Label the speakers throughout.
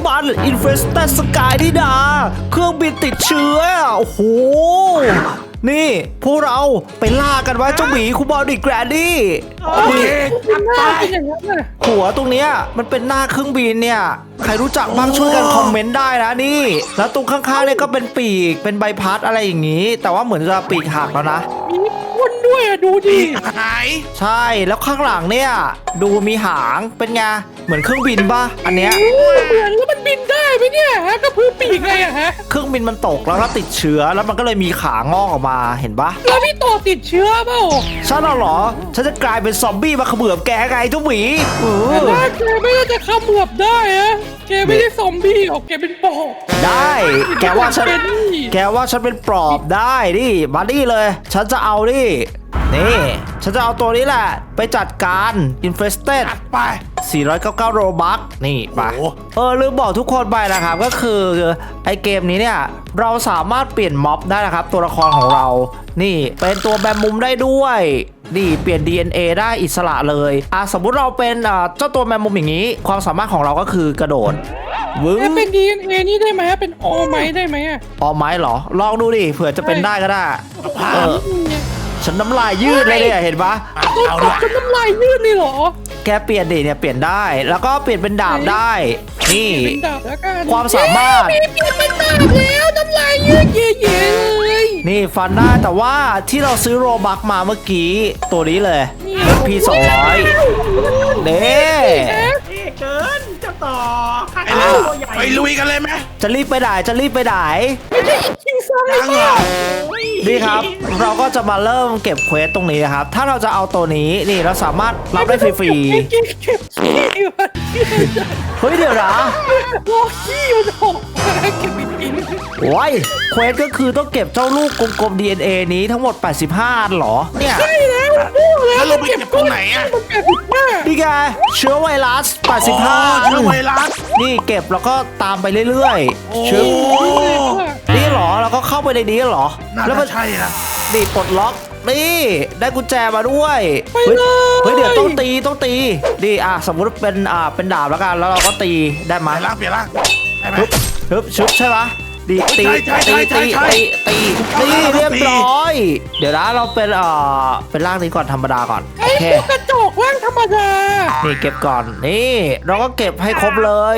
Speaker 1: มัน Infested Sky นี่นาเครื่องบินติดเชื้อโอ้โหนี่พวกเราไปล่ากันว่าเจ้าหมีคูบอดี้แกรนดี้
Speaker 2: โอเคจับไป
Speaker 1: หัวตรงเนี้ยมันเป็นหน้าเครื่องบินเนี่ยใครรู้จักบ้างช่วยกันคอมเมนต์ได้นะนี่แล้วตรงข้างๆเนี่ยก็เป็นปีกเป็นใบพัดอะไรอย่างนี้ แต่ว่าเหมือนจะปีกหักแล้วนะ
Speaker 3: มีพ่นด้วยอะดูดิ
Speaker 2: หาย
Speaker 1: ใช่แล้วข้างหลังเนี่ยดูมีหางเป็นไงเหมือนเครื่องบินป่ะอันเนี้ย
Speaker 3: เหมือนแล้วมันบินได้ไหมเนี่ยฮะกระพือปีกไงอะฮะ
Speaker 1: เครื่องบินมันตกแล้วก็ติดเชื้อแล้วมันก็เลยมีขางอกออกมาเห็นปะ
Speaker 3: แล้วพี่ต่อติดเชื้อเปล่า
Speaker 1: ฉันเหรอฉันจะกลายเป็นซอมบี้มาเขมือบแกไงเจ้าหมี
Speaker 3: แต่ว่าแกไม่ได้จะขมือบได้อะแกไม่ได้ซอมบี้หรอกแกเป็นปอบ
Speaker 1: ได้แกว่าฉัน
Speaker 3: เป็นนี่
Speaker 1: แกว่าฉันเป็นปลอบได้ดิมาดิเลย ฉันจะเอาดินี่ฉันจะเอาตัวนี้แหละไปจัดการ Infested
Speaker 2: จัดไป
Speaker 1: 499 โรบัคนี่ไป
Speaker 2: โอ้โห
Speaker 1: ลืมบอกทุกคนไปนะครับก็คือไอเกมนี้เนี่ยเราสามารถเปลี่ยนม็อบได้นะครับตัวละครของเรานี่เป็นตัวแบมมุมได้ด้วยนี่เปลี่ยน DNA ได้อิสระเลยสมมุติเราเป็นเจ้าตัวแมมมุมอย่างนี้ความสามารถของเราก็คือกระโดดวึ้ง
Speaker 3: แกเป็น DNA นี่ได้ไหมเป็นอไหมได้ไหมอะ
Speaker 1: ออไม้เหรอลองดูดิเผื่อจะเป็นได้ก็ได้
Speaker 2: เอา
Speaker 1: ฉันน้ำลายยืดเลยเนี่ยเห็นปะ
Speaker 3: ต้อง
Speaker 2: เอา
Speaker 3: ต
Speaker 2: ด้ว
Speaker 3: บ
Speaker 2: ย
Speaker 3: จนน้ำลายยืดนี่เหรอ
Speaker 1: แกเปลี่ยนดิเนี่ยเปลี่ยนได้แล้วก็เปลี่ยนเป็นดาบได้นี่
Speaker 3: เป็นดาบแล้วกัน
Speaker 1: ความสามารถ
Speaker 3: เปลี่ยนเป็นดาบแล้วน้ำลายยืดเย่ๆเลย
Speaker 1: นี่ฟันได้แต่ว่าที่เราซื้อโรบัคมาเมื่อกี้ตัวนี้เลย P 200เด้
Speaker 4: เกินเจ้าต่อข้า
Speaker 2: ไปเลย
Speaker 4: ตัวใหญ่
Speaker 2: ไปลุยกันเลยไหม
Speaker 1: จะรีบไปไหนจะรีบไปไหน
Speaker 3: ไม่ใช่อีกคิงซัง
Speaker 2: ยังเหรอ
Speaker 1: นี่ครับ เราก็จะมาเริ่มเก็บเควสตรงนี้นะครับ ถ้าเราจะเอาตัวนี้นี่เราสามารถรับได้ฟรี
Speaker 3: เก็บขี้มัน
Speaker 1: ๆเฮ้ยเดี๋ยวนะ
Speaker 3: รอขี้มันออกมาเก็บไปกิน
Speaker 1: โอ้ยเควสก็คือต้องเก็บเจ้าลูกกลมๆ DNA นี้ทั้งหมด85อันเหรอเนี่ย
Speaker 3: ใช่แล้วพูดแล้ว
Speaker 2: แล้วเราไปเก็บตรงไหนอะ
Speaker 3: มันแปดสิบห้า
Speaker 1: นี่ไงเชื้อไวรัส
Speaker 2: อ๋อ
Speaker 1: 85
Speaker 2: เชื้อไวรัส
Speaker 1: นี่เก็บแล้วก็ตามไปเรื่อย
Speaker 2: โอ้
Speaker 1: ๆเชื้อนี่เหรอเราก็เข้าไปในนี้เหรอ
Speaker 2: น่า
Speaker 1: แล้วมั
Speaker 2: จะ
Speaker 1: น
Speaker 2: ใช่ละ
Speaker 1: นี่ปลดล็อกนี่ได้กุญแจมาด้วย
Speaker 3: ไป
Speaker 1: เฮ้ย
Speaker 3: เลย
Speaker 1: เฮ้ยเดี๋ยวต้องตีนี่สมมุติเป็นดาบแล้วกันแล้วเราก็ตีได้ไหม
Speaker 2: เปลี่ยนร่างได้ไหม
Speaker 1: ชุบใช่ปะดีตี
Speaker 2: ใช่ใช่ใช่ใช่
Speaker 1: ตีเรียบร้อย เดี๋ยวนะเราเป็นร่างนี้ก่อนธรรมดาก่อนโอ
Speaker 3: ไอ้
Speaker 1: เค
Speaker 3: พวกกระจอกว่างธรรมดา
Speaker 1: นี่เก็บก่อนนี่เราก็เก็บให้ครบเลย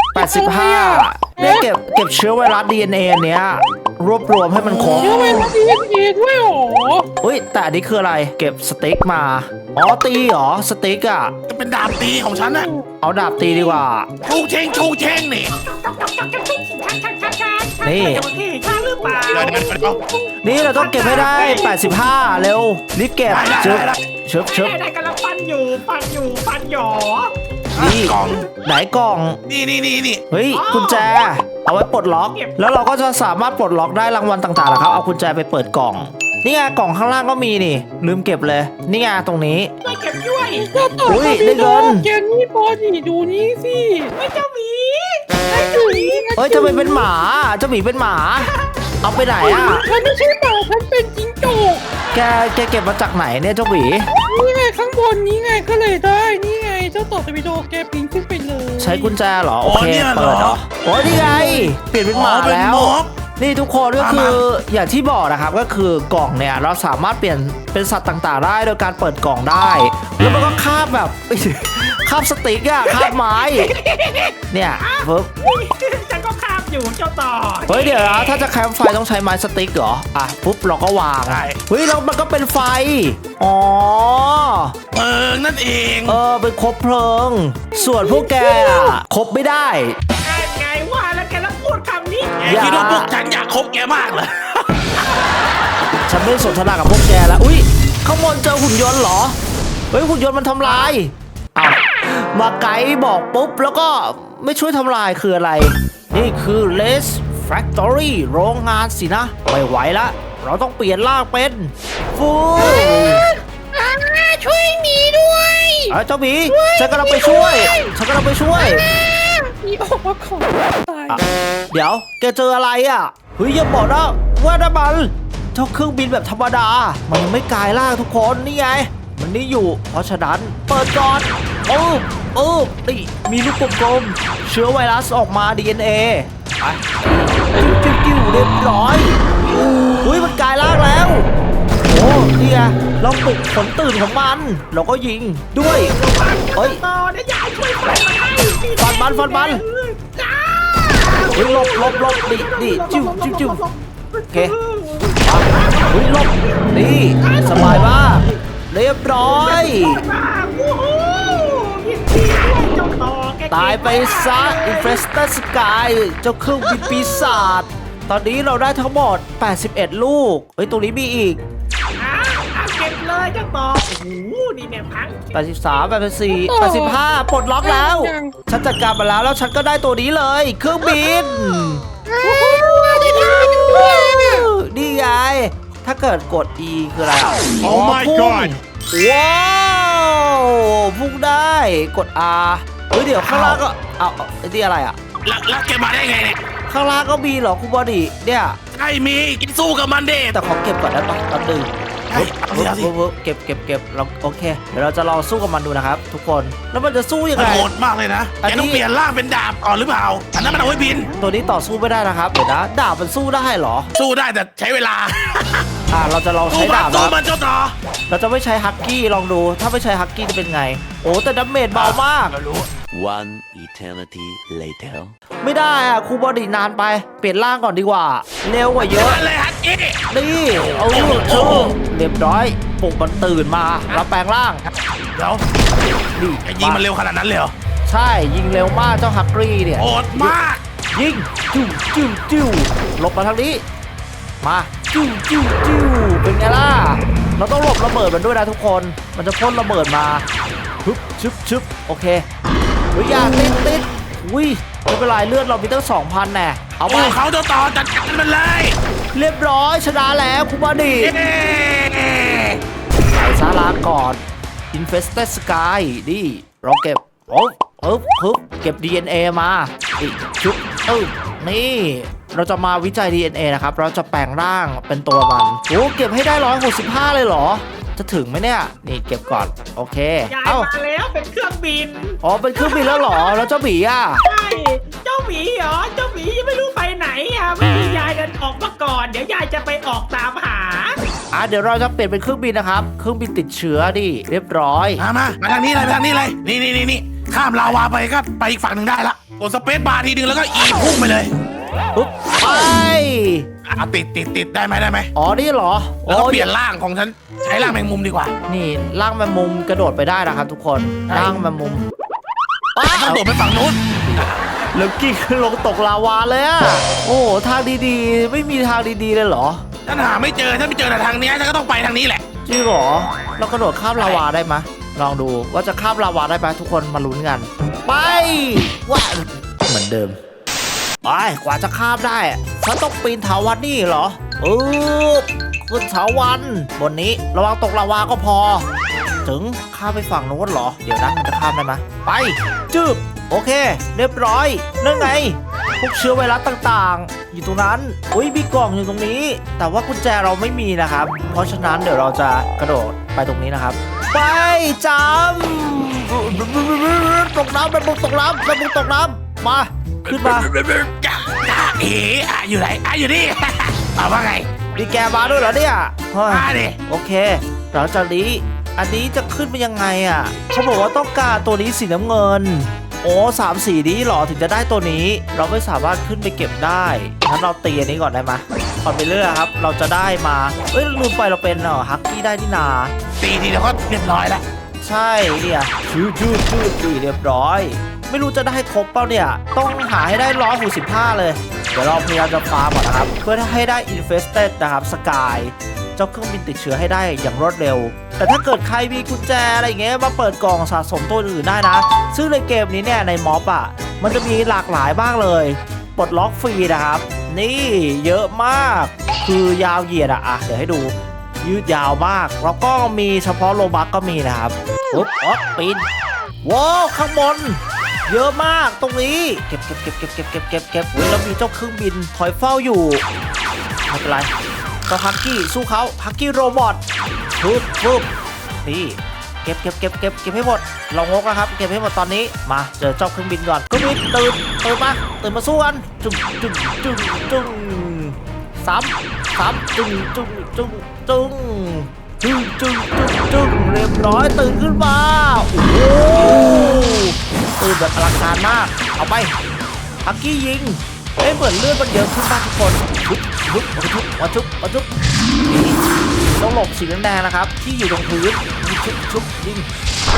Speaker 1: 85เนี่ยเก็บเชื้อไวรัส DNA อันเนี้ยรวบรวมให้มันครบ
Speaker 3: เดี๋ยวไปรับ DNA ด้วยเหรอ
Speaker 1: อุ้ยแต่อันนี้คืออะไรเก็บสติ๊กมาอ๋อตีเหรอสติ๊กอ่ะ
Speaker 2: จะเป็นดาบตีของฉันน่ะ
Speaker 1: เอาดาบตีดีกว่า
Speaker 2: ชูเชงชูเชงนี่
Speaker 1: นี่
Speaker 4: โอเคข้าหรือเปล่า
Speaker 2: เดี๋ยว
Speaker 1: นี่เราต้องเก็บให้ได้ 85 เร็วรีบเก็บชึบชึบ
Speaker 4: ได้กำลังฟันอยู่หยอ
Speaker 1: นี่
Speaker 2: กล่อง
Speaker 1: ไหนกล่อง
Speaker 2: นี่
Speaker 1: เฮ้ยกุญแจ เอาไว้ปลดล็อก แล้วเราก็จะสามารถปลดล็อกได้รางวัลต่างๆนะครับ เอากุญแจไปเปิดกล่อง นี่ไงกล่องข้างล่างก็มีนี่ ลืมเก็บเลย นี่ไงตรงนี้
Speaker 4: ไม่เก็บด้วย
Speaker 3: ก็ต่อ
Speaker 1: อุ๊ย
Speaker 3: ไป
Speaker 1: ได้เงิน
Speaker 3: แกนี่บอนี่ดูนี่สิ
Speaker 4: ไม่เจ้าหมี
Speaker 1: เฮ้ยทำไมเป็นหมาเจ้าหมีเป็นหมา เอาไปไหนอ่ะ
Speaker 3: ฉันไม่ใช่หมาฉันเป็นจิงโจ้
Speaker 1: แกเก็บมาจากไหนเนี่ยเจ้าหมี
Speaker 3: นี่ไงข้างบนนี้ไงก็เลยได้นี่ไงเจ้าต่อตะวิโดแกปีนขึ้นไปเลย
Speaker 1: ใช้กุญแจเหรอ โอเค เปิดเหรอโอ้ยนี่ไง เปลี่ยนเป็นหมา
Speaker 2: เป็น
Speaker 1: แล้ว
Speaker 2: ม็อบ
Speaker 1: นี่ทุกคนก็
Speaker 2: มา
Speaker 1: คืออย่างที่บอกนะครับก็คือกล่องเนี่ยเราสามารถเปลี่ยนเป็นสัตว์ต่างๆ ได้โดยการเปิดกล่องได้ แล้วมันก็คาบแบบ คาบสติ๊กอะคาบไม้เนี่ยปึ๊บ
Speaker 4: ฉันก็คาบอยู่เจ้าต่อ
Speaker 1: เฮ้ยเดี๋ยวนะถ้าจะแคมป์ไฟต้องใช้ไม้สติ๊กเหรออ่ะปุ๊บเราก็วาง
Speaker 2: ใช่
Speaker 1: เฮ้ยแล้วมันก็เป็นไฟอ๋อ
Speaker 2: เปิงนั่นเอง
Speaker 1: เป็นคบเพลิง ส่วนพวกแกอะคบไม่ได้
Speaker 4: ไงว่าแล้วแกแล้วพูดคำนี้
Speaker 2: แกคิดว่าพวกฉันอยากคบแกมากเลย
Speaker 1: ฉันไม่สนทนากับพวกแกแล้วอุ้ยข้างบนเจอหุ่นยนต์เหรอเฮ้ยหุ่นยนต์มันทำลายอ้าวมาไกด์บอกปุ๊บแล้วก็ไม่ช่วยทำลายคืออะไร นี่คือ Les Factory โรงงานสินะไม่ไหวละเราต้องเปลี่ยนร่างเป็นฟู
Speaker 3: ช่วยหมีด้วย
Speaker 1: เจ้าหมีฉันกำลังไปช่วย
Speaker 3: หมีออกมาขอตาย
Speaker 1: เดี๋ยวแกเจออะไรอ่ะเฮ้ยอย่าบอกนะว่าน้ำมันเจ้าเครื่องบินแบบธรรมดามันยังไม่กลายร่างทุกคนนี่ไงมันนี่อยู่เพราะฉะนั้นเปิดก่อนนี่มีลูกกลมๆเชื้อไวรัสออกมา DNA ไปจิ้วเรียบร้อยอุ้ยมันกลายร่างแล้วโอ้นี่ไงเราปลุกขนตื่นของมันเราก็ยิงด้วยเฮ้ย
Speaker 4: ต่อเดี๋ยวยายช่วยฟันมันให้
Speaker 1: ฟันมัน
Speaker 4: จ้า
Speaker 1: เฮ้ยหลบดิจิ้วโอเคเฮ้ยหลบนี่สบายมากเรียบร้อย
Speaker 4: โอ้โหยินดีด้วยเจ้าต่อแก
Speaker 1: ตายไปซะอินเฟสเตอร์สกายเจ้าเครื่องบินปีศาจตอนนี้เราได้ทั้งหมด81ลูกเฮ้ยตรงนี้มีอีก
Speaker 4: เก็บเลยเจ้าต่อโอ้โหนี่เนี่ยพัง
Speaker 1: 83 84 85ปลดล็อกแล้วฉันจัดการมาแล้วฉันก็ได้ตัวนี้เลยเครื่องบินนี่ไงถ้าเกิดกด E คืออะไรอ่ะ
Speaker 2: Oh my
Speaker 1: พุ่ง
Speaker 2: god
Speaker 1: ว้าวพุ่งได้กด R เฮ้ยเดี๋ยวข้างล่างก็เอานี่อะไรอ่ะ
Speaker 2: แล้วแกมาได้ไงเนี่ย
Speaker 1: ข้างล่างก็มีเหรอคุณบอดี้เนี่ย
Speaker 2: ไอ้มีกินสู้กับมันเด็
Speaker 1: แต่ขอเก็บก่อนได้ปะแป๊บนึง
Speaker 2: เอาสิ
Speaker 1: เก็บเราโอเคเดี๋ยวเราจะลองสู้กับมันดูนะครับ ทุกคนแล้วมันจะสู้ยัง
Speaker 2: มัน
Speaker 1: ไง
Speaker 2: โหดมากเลยนะ
Speaker 1: อัน
Speaker 2: แก
Speaker 1: นี้
Speaker 2: ต้องเปลี่ยนร่างเป็นดาบก่อนหรือเปล่าอันนั้นมันเอาไว้บิน
Speaker 1: ตัวนี้ต่อสู้ไม่ได้นะครับเดี๋ยวนะดาบมันสู้ได้เหรอ
Speaker 2: สู้ได้แต่ใช้เวลา
Speaker 1: เราจะลอง
Speaker 2: สู้
Speaker 1: ใช้
Speaker 2: มั
Speaker 1: ดาน บ
Speaker 2: สู้
Speaker 1: นะ
Speaker 2: มันเจ้าต่อ
Speaker 1: เราจะไม่ใช้ฮักกี้ลองดูถ้าไม่ใช้ฮักกี้จะเป็นไงโอ้แต่ดาเมจเบามาก
Speaker 2: เรารู้
Speaker 5: One eternity later.
Speaker 1: ไม่ได้อะครูบอดี้นานไปเปลี่ยนร่างก่อนดีกว่าเร็วกว่าเยอะ
Speaker 2: นั่นเลยฮักกี้
Speaker 1: นี่เอาเรียบร้อยปลุกมันตื่นมาแล้วแปลงร่าง
Speaker 2: เดี๋ยว
Speaker 1: นี่
Speaker 2: แกยิงมันเร็วขนาดนั้นเลยเหรอ
Speaker 1: ใช่ยิงเร็วมากเจ้าฮักกี้เนี่ย
Speaker 2: โหดมาก
Speaker 1: ยิงจิ้วหลบมาทางนี้มาจิ้วเป็นไงล่ะเราต้องหลบระเบิดมันด้วยนะทุกคนมันจะพ่นระเบิดมาชึบโอเคเฮ้ยอย่าติดอุ้ยไม่เป็นไรเลือดเรามีตั้ง 2,000แน่เอาไป
Speaker 2: โอ้เขาเจ้าต่อจัดการมันเลย
Speaker 1: เรียบร้อยชนะแล้วคุณบอดี้
Speaker 2: เย้
Speaker 1: ใส่ซาลาก่อน Infested Sky นี่เราเก็บเก็บ DNA มาอีกชุบนี่เราจะมาวิจัย DNA นะครับเราจะแปลงร่างเป็นตัวมันโอ้เก็บให้ได้165เลยเหรอจะถึงไหมเนี่ยนี่เก็บก่อนโอเค
Speaker 4: ยายมาแล้วเป็นเครื่องบิน
Speaker 1: อ๋อเป็นเครื่องบินแล้วเหรอแล้วเจ้าบีอ่ะ
Speaker 4: ใช่เจ้าหมีเหรอเจ้าหมียังไม่รู้ไปไหนอ่ะไม่มียายเดินออกมาก่อนเดี๋ยวยายจะไปออกตามหา
Speaker 1: เดี๋ยวเราจะเปลี่ยนเป็นเครื่องบินนะครับเครื่องบินติดเชื้อดิเรียบร้อย
Speaker 2: มาทางนี้เลยนี่ข้ามลาวาไปก็ไปอีกฝั่งหนึ่งได้ละกดสเปซบาร์ทีนึงแล้วก็อีพุ่งไปเลย
Speaker 1: ปุ๊บไป
Speaker 2: ติดได้ไหม
Speaker 1: อ๋อนี่เหรอ
Speaker 2: แล้วก็เปลี่ยนร่างของฉันใช้ร่างแมงมุมดีกว่า
Speaker 1: นี่ร่างแมงมุมกระโดดไปได้นะครับทุกคนร่างแมงมุม
Speaker 2: ต้องโดดไปฝั่งนู้น
Speaker 1: แล้วกิ้งลงตกลาวาเลยอะโอ้ทางดีๆไม่มีทางดีๆเลยเหรอ
Speaker 2: ฉันหาไม่เจอแต่ทางเนี้ยฉันก็ต้องไปทางนี้แหละ
Speaker 1: จริงเหรอเรากระโดดข้ามลาวาได้ไหมลองดูว่าจะข้ามลาวาได้ไหมทุกคนมาลุ้นกันไปว่าเหมือนเดิมไปกว่าจะข้ามได้ฉันต้องปีนเถาวัลย์นี่เหรอขึ้นเถาวัลย์บนนี้ระวังตกลาวาก็พอถึงข้ามไปฝั่งโน้นเหรอเดี๋ยวนะมันจะข้ามได้ไหมไปจึบโอเคเรียบร้อยนั่นไงพวกเชื้อไวรัสต่างๆอยู่ตรงนั้นอุ้ยมีกล่องอยู่ตรงนี้แต่ว่ากุญแจเราไม่มีนะครับเพราะฉะนั้นเดี๋ยวเราจะกระโดดไปตรงนี้นะครับไปจำตกน้ำเป็นบุกตกน้ำมาขึ้นมา
Speaker 2: อยู่ไหนอยู่นี่ เอาว่าไง
Speaker 1: ดีแกมาด้วยเหรอเนี่ยเฮ้ย
Speaker 2: มาดิ
Speaker 1: โอเคหลังจากนี้อันนี้จะขึ้นไปยังไงอ่ะเขาบอกว่าต้องการตัวนี้สีน้ำเงินโอ้3 สีนี้หรอถึงจะได้ตัวนี้เราไม่สามารถขึ้นไปเก็บได้งั้นเราตีอันนี้ก่อนได้ไหมก่อนไปเรื่อยครับเราจะได้มาลืมไปเราเป็นฮักกี้ได้นี่นา
Speaker 2: ตีทีเดียวก็เรียบร้อยแล้ว
Speaker 1: ใช่เนี่ยชื่อเรียบร้อยไม่รู้จะได้ครบเปล่าเนี่ยต้องหาให้ได้165เลยเดี๋ยวเราพยายามจะฟาร์มก่อนนะครับเพื่อให้ได้ Infested นะครับสกายเจ้าเครื่องบินติดเชื้อให้ได้อย่างรวดเร็วแต่ถ้าเกิดใครมีกุญแจอะไรอย่างเงี้ยมาเปิดกล่องสะสมตัวอื่นได้นะซึ่งในเกมนี้เนี่ยในม็อบอ่ะมันจะมีหลากหลายมากเลยปลดล็อกฟรีนะครับนี่เยอะมากคือยาวเหยียดอ่ะเดี๋ยวให้ดูยืดยาวมากแล้วก็มีเฉพาะโลบัคก็มีนะครับปุ๊บปีนว้าวข้างบนเยอะมากตรงนี้เก็บแล้วมีเจ้าเครื่องบินคอยเฝ้าอยู่ไม่เป็นไรก็ฮักกี้สู้เขาฮักกี้โรบอทปุ๊บนี่ก็บให้หมดเรางกแล้วครับเก็บให้หมดตอนนี้มาเจอเจ้าเครื่องบินก่อนเครื่องบินตื่นมาสู้กันจุ้งซ้ำจุ้งเรียบร้อยตื่นขึ้นมาโอ้โหตื่นแบบอลังการมากเอาไปฮักกี้ยิงเหมือนเลือดมันเยอะขึ้นมากทุกคนมาชุบนี่ต้องหลบสีแดงๆนะครับที่อยู่ตรงพื้นชุบยิง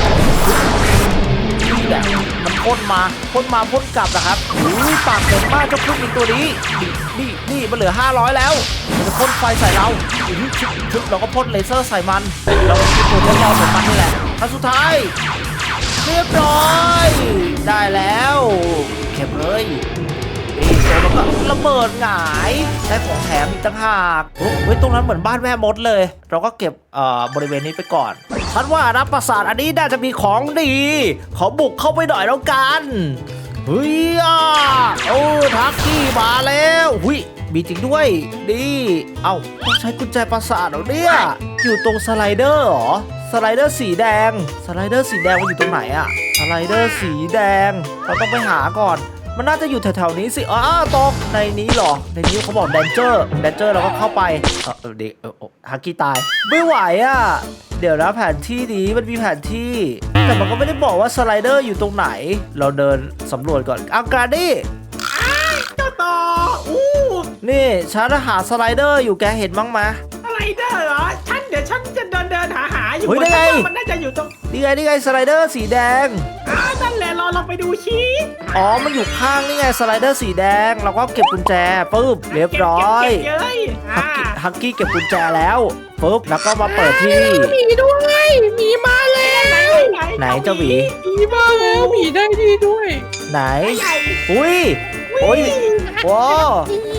Speaker 1: นี่แหละมันพ่นมาพ่นกลับนะครับอุ้ยปากเต็มมากเจ้าเครื่องบินตัวนี้นี่มันเหลือ500แล้วมันจะพ่นไฟใส่เราชุบเราก็พ่นเลเซอร์ใส่มันเราเป็นตัวทดลองของมันนี่แหละครั้งสุดท้ายเรียบร้อยได้แล้วเก็บเลยแล้วก็ระเบิดหงายได้ของแถมอีกต่างหากเฮ้ยตรงนั้นเหมือนบ้านแม่มดเลยเราก็เก็บบริเวณนี้ไปก่อนฉันว่านะปราสาทอันนี้น่าจะมีของดีขอบุกเข้าไปหน่อยแล้วกันเฮ้ยทักกี้มาแล้วหุยมีจริงด้วยดีต้องใช้กุญแจปราสาทเหรอเนี่ยอยู่ตรงสไลเดอร์เหรอสไลเดอร์สีแดงมันอยู่ตรงไหนอะสไลเดอร์สีแดงเราต้องไปหาก่อนมันน่าจะอยู่แถวๆนี้สิตกในนี้หรอในนี้เขาบอกแดนเจอร์เราก็เข้าไปเด็กฮักกี้ตายไม่ไหวอ่ะเดี๋ยวนะแผนที่นี้มันมีแผนที่แต่มันก็ไม่ได้บอกว่าสไลเดอร์อยู่ตรงไหนเราเดินสำรวจก่อนการดี้
Speaker 4: เจ้าต่อ
Speaker 1: นี่ฉันหาสไลเดอร์อยู่แกเห็นบ้างไหม
Speaker 4: สไลเดอร์เหรอเดี๋ยวฉันจะเดินหาอยู่มันน่าจะอยู่ตรง
Speaker 1: นี่ไงสไลเดอร์สีแดง
Speaker 4: นั่นแหละลองไปดูชี้
Speaker 1: มันอยู่ข้างนี่ไงสไลเดอร์สีแดงเราก็เก็บกุญแจปึ๊บเรียบร้อยฮักกี้เก็บกุญแจแล้วปึ๊บแล้วก็มาเปิดที่
Speaker 3: หมีด้วยหมีมาแล้ว
Speaker 1: ไหนเจ้าหมี
Speaker 3: มาแล้วหมีได้ดีด้วย
Speaker 1: ไหนอุ้ยว้าว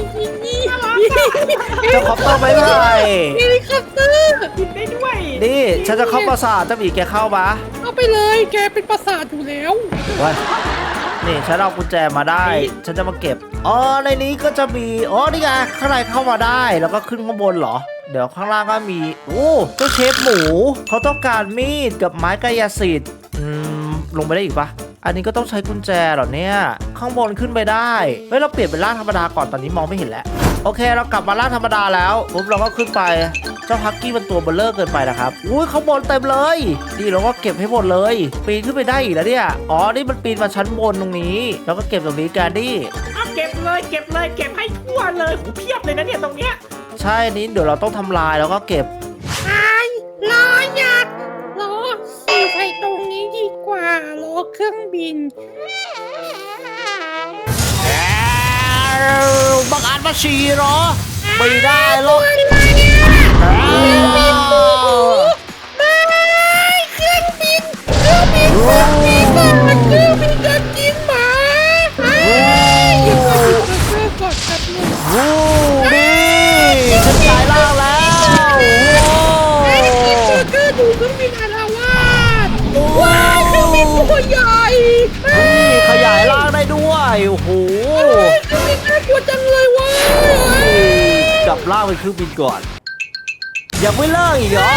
Speaker 1: เจ้าคอปเตอร์ไปไหน
Speaker 3: นี่คอปเตอร์
Speaker 4: บินได้ด้วย
Speaker 1: นี่ฉันจะเข้าปราสาทเจ้าหมีแกเข้าปะ
Speaker 3: เข้าไปเลยแกเป็นปราสาทอยู่แล้ว
Speaker 1: นี่ฉันเอากุญแจมาได้ฉันจะมาเก็บในนี้ก็จะมีนี่ไงข้างในเข้ามาได้แล้วก็ขึ้นข้างบนเหรอเดี๋ยวข้างล่างก็มีเจ้าเชฟหมูเขาต้องการมีดกับไม้กายสิทธิ์ลงไปได้อีกปะอันนี้ก็ต้องใช้กุญแจเหรอเนี่ยข้างบนขึ้นไปได้เราเปลี่ยนเป็นร่างธรรมดาก่อนตอนนี้มองไม่เห็นแล้วโอเคเรากลับมาร่างธรรมดาแล้วปุ๊บเราก็ขึ้นไปเจ้าฮักกี้มันตัวเบลเลอร์เกินไปนะครับข้างบนเต็มเลยดีเราก็เก็บให้หมดเลยปีนขึ้นไปได้อีกแล้วเนี่ยนี่มันปีนมาชั้นบนตรงนี้แล้วก็เก็บตรงนี้กันดิ
Speaker 4: เก็บเลยเก็บให้ทั่วเลยเพียบเลยนะเนี่ยตรงเนี้ย
Speaker 1: ใช่นี้เดี๋ยวเราต้องทำลายแล้วก็เก็บ
Speaker 3: รออยากรอสี่ใส่ตรงนี้ดีกว่ารอเครื่องบิน
Speaker 1: บังอาจมาฉี่เหรอไม่ได้หรอก
Speaker 3: เครื่องบินจะกินหมาก่อนครับ
Speaker 1: นี่ฉันกลายร่างแล้ว
Speaker 3: ดูเครื่องบินอาละวาดว้าวเครื่องบินตัวใหญ่
Speaker 1: ขยายร่างได้ด้วยโอ้โห
Speaker 3: เครื่องบินน่ากลัวจังเลยว้
Speaker 1: กลับร่างเป็นเครื่องบินก่อนยังไม่เลิกอีกเหรอ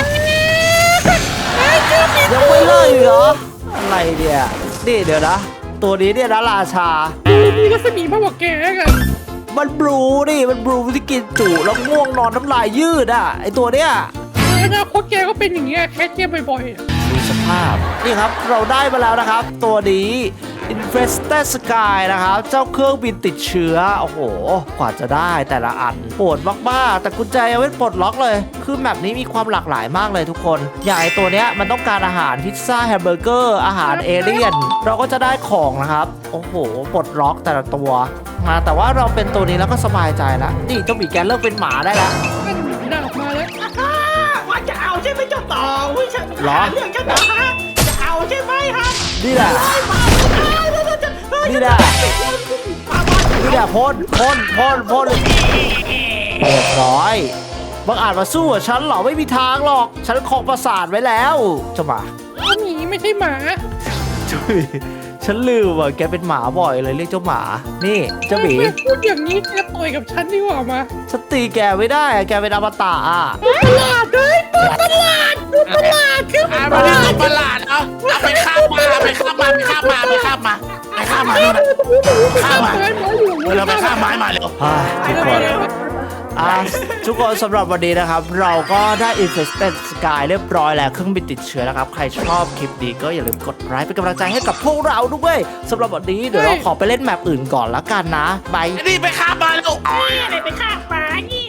Speaker 1: ยังไม่เลิกอีกเหรออะไรเนี่ยนี่เดี๋ยวนะตัวนี้เนี่ยนะราชา
Speaker 3: มีรัศมีมากกว่าแกกัน
Speaker 1: มันบลูที่กินจุแล้วง่วงนอนน้ำลายยืดไอตัวเนี้ย
Speaker 3: อนาคตแกก็เป็นอย่างเงี้ยแค่เจ็บบ่อย
Speaker 1: ๆดูสภาพนี่ครับเราได้มาแล้วนะครับตัวนี้ Infested Sky นะครับเจ้าเครื่องบินติดเชื้อโอ้โหกว่าจะได้แต่ละอันปวดมากๆแต่กุญแจยังไม่ปลดล็อกเลยคือแมปนี้มีความหลากหลายมากเลยทุกคนอย่างไอตัวเนี้ยมันต้องการอาหารพิซซ่าแฮมเบอร์เกอร์อาหารเอเลี่ยนเราก็จะได้ของนะครับโอ้โหปลดล็อกแต่ละตัวมาแต่ว่าเราเป็นตัวนี้แล้วก็สบายใจแล้วนี่เจ้าหมีแกเลิกเป็นหมาได้แล้ว
Speaker 3: ดาบมาแล้ว
Speaker 4: ว่าจะเอาใช่ไหมเจ้าต่อฉันเรื่องเจ้าต่อฮะจะเอาใช่ไหมฮะ
Speaker 1: นี่แหละพ่นเรียบร้อยบังอาจมาสู้กับฉันเหรอไม่มีทางหรอกฉันครองปราสาทไว้แล้วเจ้าหมา
Speaker 3: หมีไม่ใช่หมา
Speaker 1: ฉันลืมว่าแกเป็นหมาบ่อยเลยเรียกเจ้าหมานี่เจ้าหมี
Speaker 3: พูดอย่างนี้แกต่อยกับฉันดีกว่ามา
Speaker 1: ฉันตีแกไม่ได้แกเป็นอมตะ
Speaker 3: ประหลาดเลยประหลาดเครื่องบิน
Speaker 2: มาที่สุดประหลาดเอาไปข้ามมาไปข้ามมาไปข้ามมาไปข้ามมาไปข้ามมาดูนะข้ามมาเราไปข้ามไม้มาเร็ว
Speaker 1: ทุกคนทุกคนสำหรับวันนี้นะครับ เราก็ได้ Infested Sky เรียบร้อยแล้วเครื่องบินติดเชื้อนะครับ ใครชอบคลิปนี้ก็อย่าลืมกดไลค์เป็นกำลังใจให้กับพวกเราด้วยสำหรับวันนี้เดี๋ยวเราขอไปเล่นแมปอื่นก่อนละกันนะบาย
Speaker 2: นี่ไปข้ามมาเร็ว
Speaker 4: นี่อะไรไปฆ่าปลานี่